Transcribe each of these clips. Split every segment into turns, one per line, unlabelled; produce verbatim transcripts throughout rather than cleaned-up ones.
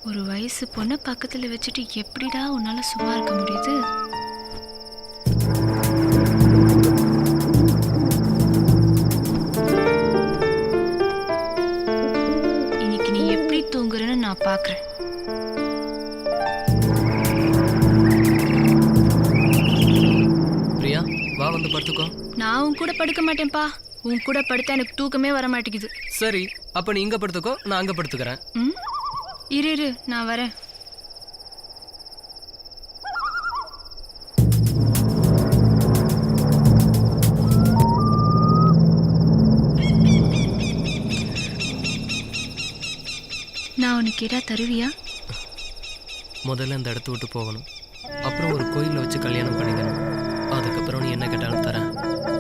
ஒரு வயசு பொண்ணை பக்கத்துல வச்சுட்டு எப்படிடா உன்னால சும்மா இருக்க முடியுது? இன்னைக்கு நீ எப்படி தூங்குறன்னு நான் பாக்குறேன்.
பிரியா, வா வந்து படுத்துக்கோ.
நான் உன் கூட படுக்க மாட்டேன்ப்பா. உன் கூட படுத்தா எனக்கு தூக்கமே வர மாட்டேங்குது.
சரி, அப்ப நீ இங்க படுத்துக்கோ, நான் அங்க படுத்துக்கிறேன்.
ம், இரு இரு, நான் வரேன். நான் உனக்கு கேட்டா தருவியா?
முதல்ல இந்த இடத்த விட்டு போகணும், அப்புறம் ஒரு கோயிலில் வச்சு கல்யாணம் பண்ணிக்கணும். அதுக்கப்புறம் நீ என்ன கேட்டாலும் தரேன்.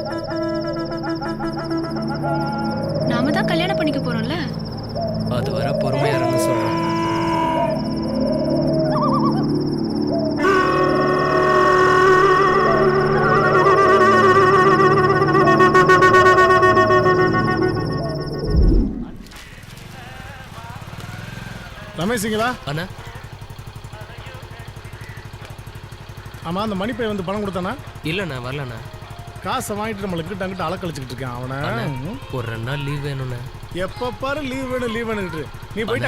நாம தான் கல்யாணம் பண்ணிக்க போறோம்ல.
அது வர பொறுமையா இருன்னு சொல்றேன்.
ரமேஷுங்களா?
அண்ணா,
ஆமாம், அந்த மணிப்பை வந்து பணம் கொடுத்தானா?
இல்லைண்ணா, வரலண்ணா.
காசை வாங்கிட்டு நம்மளுக்கு டங்கிட்ட அலக்கழிச்சுக்கிட்டு இருக்கான் அவனை.
ஒரு ரெண்டு நாள் லீவ் வேணும்ண்ணே.
எப்போ பாரு லீவ் வேணும் லீவ் வேணுங்கிட்டு நீ போயிட்டு